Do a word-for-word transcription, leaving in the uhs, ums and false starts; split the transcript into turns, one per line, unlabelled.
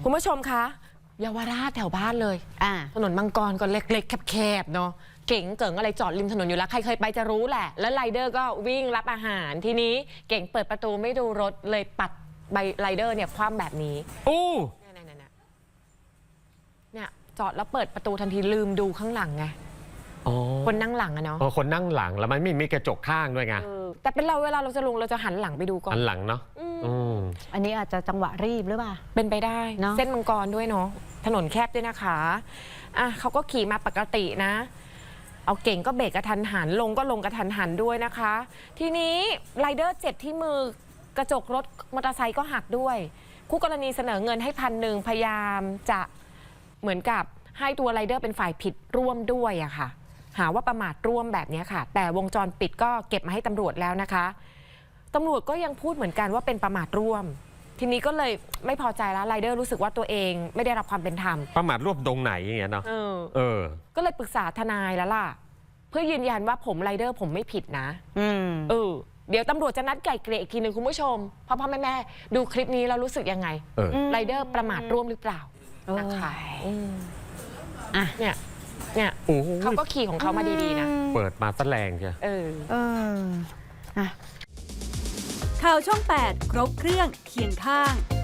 คุณผู้ชมคะเยาวราชแถวบ้านเลยอ่าถนนมังกรก็เล็กๆแคบๆเนาะเก๋งเก๋งอะไรจอดริมถนนอยู่แล้วใครเคยไปจะรู้แหละแล้วไรเดอร์ก็วิ่งรับอาหารทีนี้เก๋งเปิดประตูไม่ดูรถเลยปัดใบไรเดอร์เนี่ยคว่ำแบบนี้
อู้
เนี่ยเนี่ยเนี่ยจอดแล้วเปิดประตูทันทีลืมดูข้างหลังไงคนนั่งหลังอะเนาะ
คนนั่งหลังแล้วมันไม่มีกระจกข้างด้วยไง
แต่เป็นเราเวลาเราจะลงเราจะหันหลังไปดูก่อน
หันหลังเนาะ
อันนี้อาจจะจังหวะรีบหรือเปล่า
เป็นไปได้เส้นมังกรด้วยเนาะถนนแคบด้วยนะคะอ่ะเขาก็ขี่มาปกตินะเอาเก่งก็เบรกกระทันหันลงก็ลงกระทันหันด้วยนะคะทีนี้ไรเดอร์เจ็บที่มือกระจกรถมอเตอร์ไซค์ก็หักด้วยคู่กรณีเสนอเงินให้พันหนึ่งพยายามจะเหมือนกับให้ตัวไรเดอร์เป็นฝ่ายผิดร่วมด้วยอะค่ะหาว่าประมาทร่วมแบบนี้ค่ะแต่วงจรปิดก็เก็บมาให้ตำรวจแล้วนะคะตำรวจก็ยังพูดเหมือนกันว่าเป็นประมาทร่วมทีนี้ก็เลยไม่พอใจแล้วไรเดอร์รู้สึกว่าตัวเองไม่ได้รับความเป็นธรรม
ประมาทร่วมตรงไหนอย่างเงี้ยเนาะ
เออ
เออ
ก็เลยปรึกษาทนายแล้วล่ะเพื่อยืนยันว่าผมไรเดอร์ผมไม่ผิดนะ
อืม
เออเดี๋ยวตำรวจจะนัดไกล่เกลี่ยอีกทีหนึ่งคุณผู้ชมพ่อพ่อแม่แม่ดูคลิปนี้แล้วรู้สึกยังไงไรเดอร์ประมาทร่วมหรือเปล่านะคะอ่ะเนี่ยเนี่ยเขาก็ขี่ของเขามาดีๆนะ
เปิดมาซะแรงใช่
เออ
เอออ่ะ
ข่าวช่องแปดครบเครื่องเคียงข้าง